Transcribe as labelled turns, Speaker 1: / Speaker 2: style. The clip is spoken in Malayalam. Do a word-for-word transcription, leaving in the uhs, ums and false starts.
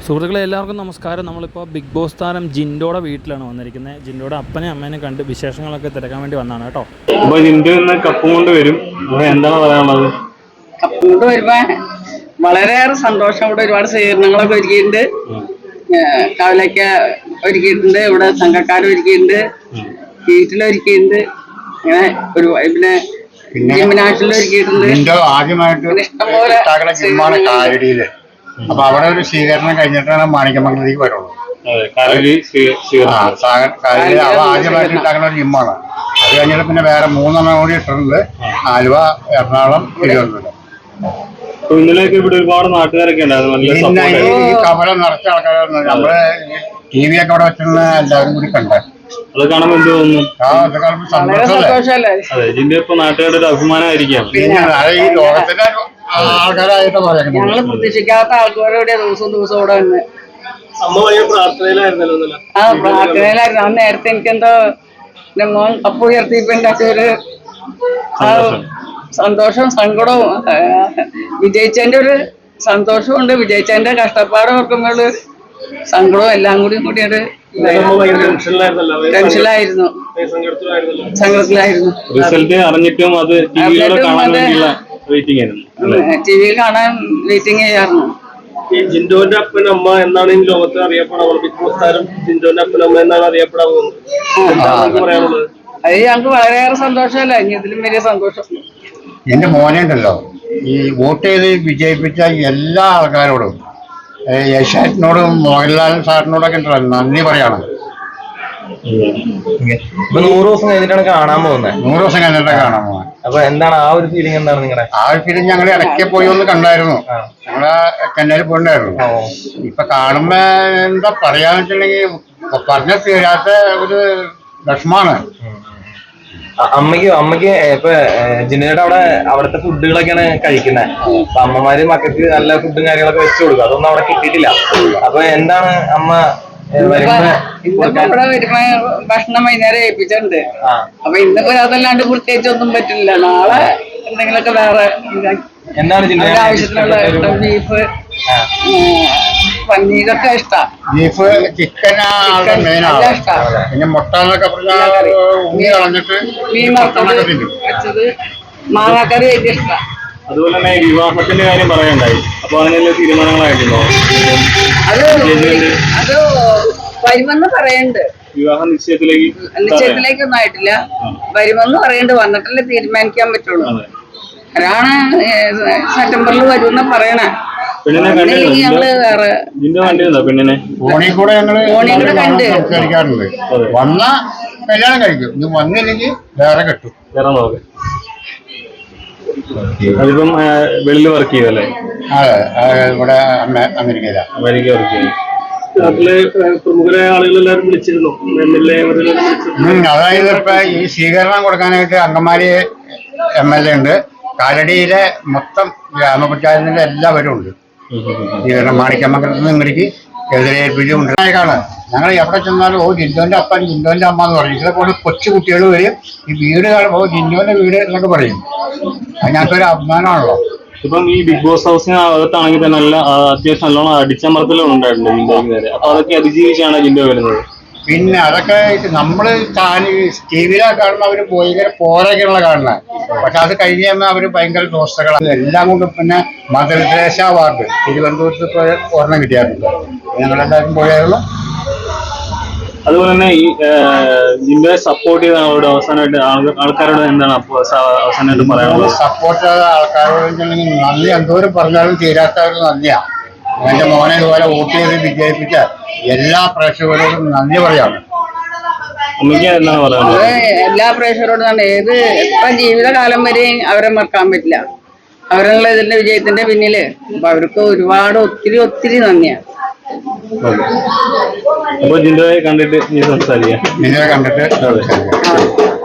Speaker 1: സുഹൃത്തുക്കളെ എല്ലാവർക്കും നമസ്കാരം. നമ്മളിപ്പോൾ ബിഗ് ബോസ് താരം ജിൻഡോയുടെ വീട്ടിലാണ് വന്നിരിക്കുന്നത്. ജിൻഡോയുടെ അപ്പനെയും അമ്മേനെ കണ്ട് വിശേഷങ്ങളൊക്കെ തിരക്കാൻ വേണ്ടി വന്നതാണ് കേട്ടോ.
Speaker 2: അപ്പോൾ ജിൻഡോ ഇന്ന് കപ്പ് കൊണ്ട് വരും, എന്താണ് പറയാനുള്ളത്?
Speaker 3: കപ്പ് കൊണ്ട് വരുമ്പോ വളരെയേറെ സന്തോഷം. ഇവിടെ ഒരുപാട് സ്വീകരണങ്ങളൊക്കെ ഒരുക്കിയിട്ടുണ്ട്, കവലയ്ക്ക ഒരുക്കിയിട്ടുണ്ട്, ഇവിടെ സംഘക്കാർ ഒരുക്കിയിട്ടുണ്ട്, വീട്ടിലൊരുക്കിയിട്ടുണ്ട്, അങ്ങനെ ഒരു പിന്നെ ജിമ്മിനാട്ടിലൊരുക്കിയിട്ടുണ്ട്. ഇഷ്ടംപോലെ
Speaker 4: അപ്പൊ അവിടെ ഒരു സ്വീകരണം കഴിഞ്ഞിട്ടാണ് മാണിക്യമംഗലത്തേക്ക് വരുള്ളൂ. അവ ആദ്യമായിട്ട് ഉണ്ടാക്കുന്ന ഒരു ജിമ്മാണ്. അത് കഴിഞ്ഞിട്ട് പിന്നെ വേറെ മൂന്നെണ്ണം കൂടി ഇട്ടിട്ടുണ്ട്, ആലുവ, എറണാകുളം, തിരുവനന്തപുരം.
Speaker 2: ഇന്നലെയൊക്കെ ഇവിടെ ഒരുപാട് നാട്ടുകാരൊക്കെ ഉണ്ടായിരുന്നു.
Speaker 4: ഈ കവല നിറച്ച ആൾക്കാരായിരുന്നു. നമ്മള് ടി വി ഒക്കെ അവിടെ വെച്ചിരുന്ന എല്ലാവരും കൂടി കണ്ടത്.
Speaker 2: അത് കാണുമ്പോൾ എന്ത് തോന്നുന്നു?
Speaker 4: ആ അത് കാണുമ്പോൾ സന്തോഷമല്ലേ.
Speaker 2: അതെ, ജിൻഡോ ഇപ്പൊ നാട്ടുകാരുടെ ഒരു അഭിമാനമായിരിക്കാം.
Speaker 4: പിന്നെ ഈ ലോകത്തിന്റെ ആൾക്കാരായിട്ട് പറയുന്നത്
Speaker 3: ഞങ്ങള് പ്രതീക്ഷിക്കാത്ത ആൾക്കാരോടെ ദിവസവും ദിവസവും ഇവിടെ വന്ന്
Speaker 2: പ്രാർത്ഥനയിലായിരുന്നല്ലോ.
Speaker 3: ആ പ്രാർത്ഥനയിലായിരുന്നു. ആ നേരത്തെ എനിക്കെന്തോ എന്റെ മോൻ കപ്പ് ഉയർത്തിയപ്പോന്റെ ഒരു ആ സന്തോഷവും സങ്കടവും, വിജയിച്ചതിന്റെ ഒരു സന്തോഷവും ഉണ്ട്, വിജയിച്ചതിന്റെ കഷ്ടപ്പാട് ഓർക്കുമ്പോൾ സങ്കടവും എല്ലാം കൂടി കൂടിയൊരു ടെൻഷനിലായിരുന്നു, സങ്കടത്തിലായിരുന്നു.
Speaker 2: റിസൾട്ട് അറിഞ്ഞിട്ടും അത്
Speaker 3: ടി വിയിൽ കാണാൻ വെയിറ്റിംഗ് ചെയ്യാറുണ്ട്.
Speaker 5: ഈ ജിൻഡോന്റെ അപ്പനും അമ്മ എന്നാണ് ഈ ലോകത്ത് അറിയപ്പെടാവുന്നത്. ബിഗ് ബോസ് താരം ജിൻഡോന്റെ അപ്പനും അമ്മ എന്നാണ് അറിയപ്പെടാവുന്നത്. എന്താണ് പറയാനുള്ളത്?
Speaker 3: അത് ഞങ്ങൾക്ക് വളരെയേറെ സന്തോഷമല്ല, ഇനി ഇതിലും വലിയ സന്തോഷം.
Speaker 4: എന്റെ മോനെ ഉണ്ടല്ലോ, ഈ വോട്ട് ചെയ്ത് വിജയിപ്പിച്ച എല്ലാ ആൾക്കാരോടും, യേശാറ്റിനോടും മോഹൻലാൽ സാറിനോടൊക്കെ ഉണ്ടല്ലോ നന്ദി പറയണം.
Speaker 6: ഇപ്പൊ നൂറ് ദിവസം കഴിഞ്ഞിട്ടാണ് കാണാൻ പോകുന്നത്.
Speaker 4: നൂറ് ദിവസം കഴിഞ്ഞിട്ടാണ് കാണാൻ പോകുന്നത്.
Speaker 6: അപ്പൊ എന്താണ് ആ ഒരു ഫീലിംഗ്? എന്താണ് നിങ്ങളുടെ
Speaker 4: ആ ഒരു ഫീലിംഗ്? ഞങ്ങൾ ഇടയ്ക്ക് പോയി ഒന്ന് കണ്ടായിരുന്നു, ഞങ്ങള് ചെന്നൈയിൽ പോയിട്ടുണ്ടായിരുന്നു. ഇപ്പൊ കാണുമ്പോ എന്താ പറയാന്ന് വെച്ചിട്ടുണ്ടെങ്കിൽ പറഞ്ഞ തീരാത്ത ഒരു വിഷമാണ്.
Speaker 6: അമ്മയ്ക്ക് അമ്മയ്ക്ക് ഇപ്പൊ ജിന്നയുടെ അവിടെ അവിടുത്തെ ഫുഡുകളൊക്കെയാണ് കഴിക്കുന്നത്. അപ്പൊ അമ്മമാര് മക്കൾക്ക് നല്ല ഫുഡും കാര്യങ്ങളൊക്കെ വെച്ചു കൊടുക്കും. അതൊന്നും അവിടെ കിട്ടിയിട്ടില്ല. അപ്പൊ എന്താണ് അമ്മ
Speaker 3: ഇവിടെ വരുമ്പോ ഭക്ഷണം വൈകുന്നേരം ഏൽപ്പിച്ചിട്ടുണ്ട്. അപ്പൊ ഇന്നിപ്പോ അതല്ലാണ്ട് പ്രത്യേകിച്ച് ഒന്നും പറ്റില്ല. നാളെ എന്തെങ്കിലുമൊക്കെ വേറെ
Speaker 6: എന്താണ്
Speaker 3: ആവശ്യത്തിനുള്ള ബീഫ്, പന്നീരൊക്കെ ഇഷ്ടാ.
Speaker 4: ബീഫ്, ചിക്കൻ ഇഷ്ടമാണ്. പിന്നെ മുട്ട എന്നൊക്കെ കളഞ്ഞിട്ട്
Speaker 3: മീൻ വറുത്തത് വെച്ചത്, മാങ്ങാക്കറി വലിയ ഇഷ്ടാ.
Speaker 2: അതുപോലെ തന്നെ വിവാഹത്തിന്റെ കാര്യം പറയണ്ടായി. അപ്പൊ അതിനുള്ള തീരുമാനങ്ങളായിട്ടുണ്ടോ?
Speaker 3: അത് അത് വരുമെന്ന് പറയുന്നുണ്ട്.
Speaker 2: വിവാഹ നിശ്ചയത്തിലേക്ക്
Speaker 3: നിശ്ചയത്തിലേക്കൊന്നും ആയിട്ടില്ല, വരുമെന്ന് പറയുന്നുണ്ട്. വന്നിട്ടല്ലേ തീരുമാനിക്കാൻ പറ്റുള്ളൂ. ഒരാണ് സെപ്റ്റംബറിൽ വരുമെന്ന് പറയണേ. ഞങ്ങള് വേറെ
Speaker 2: പെണ്ണിനെ
Speaker 4: ഫോണിൽ കൂടെ ഞങ്ങള്
Speaker 3: ഫോണിൽ കൂടെ കണ്ട്
Speaker 4: സംസാരിക്കാറുണ്ട്. വന്ന കല്യാണം കഴിക്കും, ഇത് വന്നില്ലെങ്കിൽ വേറെ കെട്ടും.
Speaker 2: വേറെ നോക്ക്. അതിപ്പം വെളിയിൽ വർക്ക് ചെയ്യുമല്ലേ?
Speaker 4: അതെ, ഇവിടെ അമേരിക്കയില
Speaker 2: അമേരിക്ക വർക്ക് ചെയ്യും.
Speaker 5: നാട്ടിലെ പ്രമുഖരായ ആളുകളെല്ലാവരും വിളിച്ചിരുന്നു. എം എൽ എ
Speaker 4: അതായത് ഇപ്പൊ ഈ സ്വീകരണം കൊടുക്കാനായിട്ട് അങ്കമാലി എം എൽ എ ഉണ്ട്, കാലടിയിലെ മൊത്തം ഗ്രാമപഞ്ചായത്തിന്റെ എല്ലാവരും ഉണ്ട്. സ്വീകരണം മാണിക്യമംഗലത്ത് നിന്ന് ഇങ്ങടേക്ക് എതിരേൽപ്പിച്ച് ഉണ്ടായേക്കാണ്. ഞങ്ങൾ എവിടെ ചെന്നാലും ഓ ജിൻഡോന്റെ അപ്പൻ, ജിൻഡോന്റെ അമ്മ എന്ന് പറയും. ഇതേപോലെ കൊച്ചു കുട്ടികൾ വരും, ഈ വീട് കാണുമ്പോൾ ഓ ജിൻഡോന്റെ വീട് എന്നൊക്കെ പറയും. അതിനകത്തൊരു അഭിമാനമാണല്ലോ.
Speaker 2: ഇപ്പം ഈ ബിഗ് ബോസ് ഹൗസിന് അകത്താണെങ്കിൽ തന്നെ നല്ല അത്യാവശ്യം നല്ലോണം അടിച്ചമർത്തലും ഉണ്ടായിട്ടുണ്ട് ജിൻഡോയ്ക്ക് നേരെ. അപ്പൊ അതൊക്കെ അതിജീവിച്ചാണ് ജിൻഡോ വരുന്നത്.
Speaker 4: പിന്നെ അതൊക്കെ നമ്മള് ടി വിയിലൊക്കെ കാണുമ്പോൾ അവര് ഭയങ്കര പോരൊക്കെയുള്ള കാണുന്നത്. പക്ഷെ അത് കഴിഞ്ഞ് കഴിഞ്ഞാൽ അവര് ഭയങ്കര ദോസ്തകളാണ്. എല്ലാം കൊണ്ടും പിന്നെ മദർ തെരേസ അവാർഡ് തിരുവനന്തപുരത്ത് പോയ ഒരെണ്ണം കിട്ടിയായിരുന്നു. ഞങ്ങളെല്ലാവരും പോയായിരുന്നു.
Speaker 2: അതുപോലെ തന്നെ ഈ ജിൻഡോയെ സപ്പോർട്ട് ചെയ്ത ആളോട് അവസാനമായിട്ട് ആൾക്കാരോട് എന്താണ് അവസാനമായിട്ട് പറയാനുള്ളത്?
Speaker 4: സപ്പോർട്ട് ചെയ്ത ആൾക്കാരോട് നന്ദി എന്തോരം പറഞ്ഞാലും തീരാത്ത ഒരു നന്ദിയാണ്. എന്റെ മോനെ ഇതുപോലെ വോട്ട് ചെയ്ത് വിജയിപ്പിച്ച എല്ലാ പ്രേക്ഷകരോടും നന്ദി പറയാണ്.
Speaker 2: അമ്മയ്ക്ക് എന്താണ് പറയാനുള്ളത്?
Speaker 3: എല്ലാ പ്രേക്ഷകരോടും തന്നെ ഏത് എത്ര ജീവിതകാലം വരെയും അവരെ മറക്കാൻ പറ്റില്ല. അവരുള്ള ഇതിന്റെ വിജയത്തിന്റെ പിന്നില് അപ്പൊ അവർക്ക് ഒരുപാട് ഒത്തിരി ഒത്തിരി നന്ദിയാണ്.
Speaker 2: അപ്പൊ ജിൻഡോയെ കണ്ടിട്ട് നീ സംസാരിക്കാം.
Speaker 4: ജിൻഡോയെ കണ്ടിട്ട്